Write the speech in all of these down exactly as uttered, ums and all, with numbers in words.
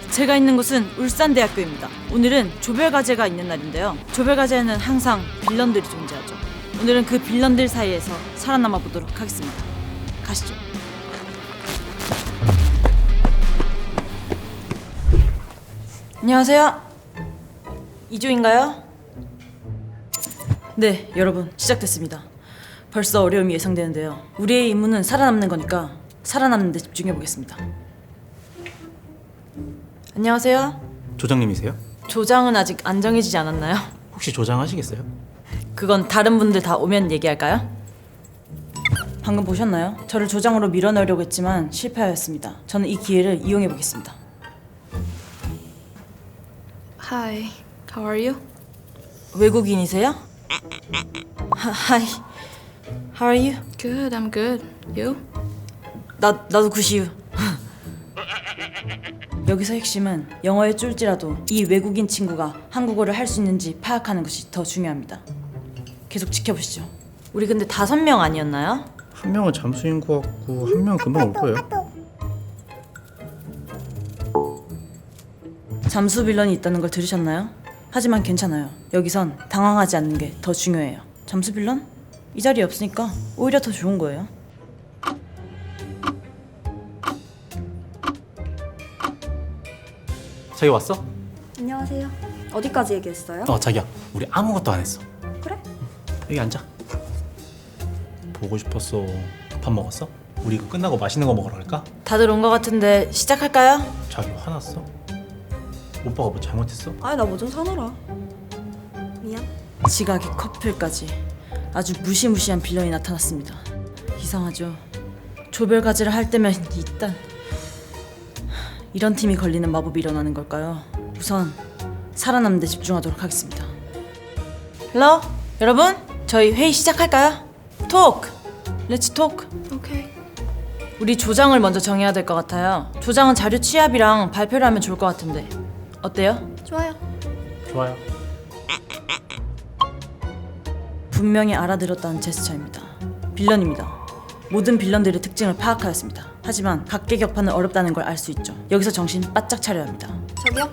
제가 있는 곳은 울산대학교입니다. 오늘은 조별과제가 있는 날인데요. 조별과제에는 항상 빌런들이 존재하죠. 오늘은 그 빌런들 사이에서 살아남아 보도록 하겠습니다. 가시죠. 안녕하세요. 이조인가요? 네, 여러분 시작됐습니다. 벌써 어려움이 예상되는데요. 우리의 임무는 살아남는 거니까 살아남는 데 집중해 보겠습니다. 안녕하세요. 조장님이세요? 조장은 아직 안 정해지지 않았나요? 혹시 조장하시겠어요? 그건 다른 분들 다 오면 얘기할까요? 방금 보셨나요? 저를 조장으로 밀어넣으려고 했지만 실패하였습니다. 저는 이 기회를 이용해 보겠습니다. Hi, how are you? 외국인이세요? Hi, how are you? Good, I'm good. You? 나, 나도 굿이유. 여기서 핵심은 영어에 쫄지라도 이 외국인 친구가 한국어를 할 수 있는지 파악하는 것이 더 중요합니다. 계속 지켜보시죠. 우리 근데 다섯 명 아니었나요? 한 명은 잠수인 것 같고 한 명은 금방 올 거예요. 잠수 빌런이 있다는 걸 들으셨나요? 하지만 괜찮아요. 여기선 당황하지 않는 게 더 중요해요. 잠수 빌런? 이 자리에 없으니까 오히려 더 좋은 거예요. 자기 왔어? 안녕하세요. 어디까지 얘기했어요? 어 자기야 우리 아무것도 안 했어. 그래? 여기 앉아. 보고 싶었어. 밥 먹었어? 우리 이거 끝나고 맛있는 거 먹으러 갈까? 다들 온 것 같은데 시작할까요? 자기 화났어? 오빠가 뭐 잘못했어? 아니 나 뭐 좀 사느라. 미안. 지각이 커플까지 아주 무시무시한 빌런이 나타났습니다. 이상하죠. 조별과제를 할 때면 일단 이런 팀이 걸리는 마법이 일어나는 걸까요? 우선 살아남는 데 집중하도록 하겠습니다. 헬로 여러분 저희 회의 시작할까요? 톡! 렛츠 톡! Okay. 우리 조장을 먼저 정해야 될 것 같아요. 조장은 자료 취합이랑 발표를 하면 좋을 것 같은데 어때요? 좋아요. 좋아요. 분명히 알아들었다는 제스처입니다. 빌런입니다. 모든 빌런들의 특징을 파악하였습니다. 하지만 각계격파는 어렵다는 걸 알 수 있죠. 여기서 정신 바짝 차려야 합니다. 저기요?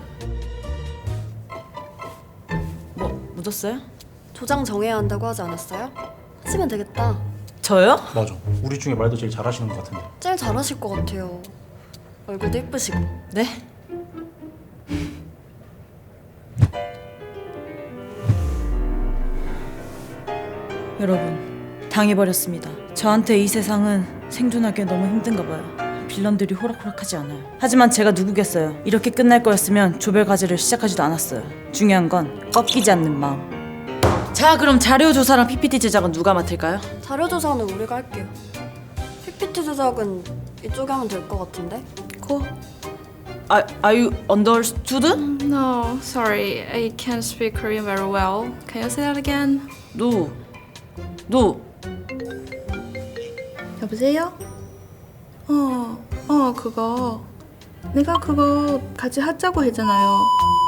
뭐 묻었어요? 조장 정해야 한다고 하지 않았어요? 하시면 되겠다. 저요? 맞아. 우리 중에 말도 제일 잘하시는 것 같은데. 제일 잘하실 것 같아요. 얼굴도 예쁘시고. 네? 여러분 당해버렸습니다. 저한테 이 세상은 생존하기 너무 힘든가 봐요. 빌런들이 호락호락하지 않아요. 하지만 제가 누구겠어요. 이렇게 끝날 거였으면 조별과제를 시작하지도 않았어요. 중요한 건 꺾이지 않는 마음. 자 그럼 자료 조사랑 피피티 제작은 누가 맡을까요? 자료 조사는 우리가 할게요. 피피티 제작은 이쪽에 하면 될 것 같은데? 코? 아, are you understood? No, sorry, I can't speak Korean very well. Can you say that again? No. No. 여보세요? 어, 어, 그거. 내가 그거 같이 하자고 했잖아요.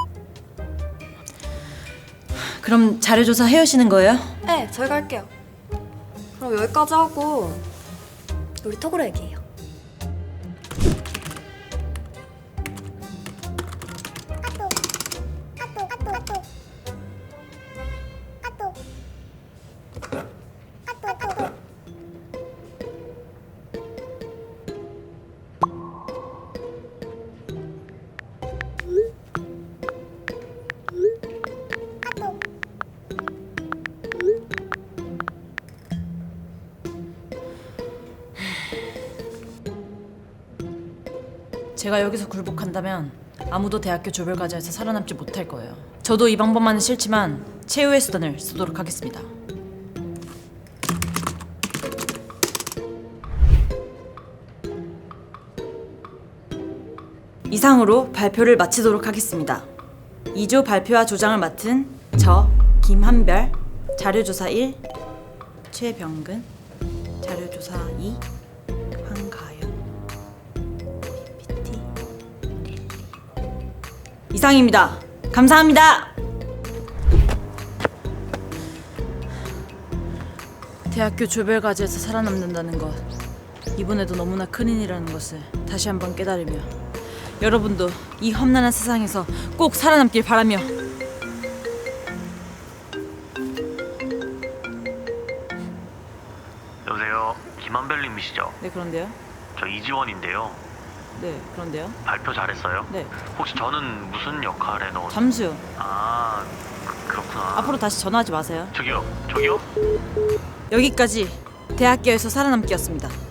그럼 자료 조사 해오시는 거예요? 네, 저희가 할게요. 그럼 여기까지 하고 우리 톡으로 얘기해요. 제가 여기서 굴복한다면 아무도 대학교 조별과제에서 살아남지 못할 거예요. 저도 이 방법만은 싫지만 최후의 수단을 쓰도록 하겠습니다. 이상으로 발표를 마치도록 하겠습니다. 이조 발표와 조장을 맡은 저 김한별, 자료조사 일 최병근, 자료조사 이 황가연, 피피티 이상입니다. 감사합니다. 대학교 조별과제에서 살아남는다는 것, 이번에도 너무나 큰 일이라는 것을 다시 한번 깨달으며 여러분도 이 험난한 세상에서 꼭 살아남길 바라며. 여보세요. 김한별님이시죠? 네, 그런데요. 저 이지원인데요. 네, 그런데요. 발표 잘했어요? 네, 혹시 저는 무슨 역할에 넣었... 잠수요. 아, 그, 그렇구나. 앞으로 다시 전화하지 마세요. 저기요, 저기요? 여기까지 대학교에서 살아남기였습니다.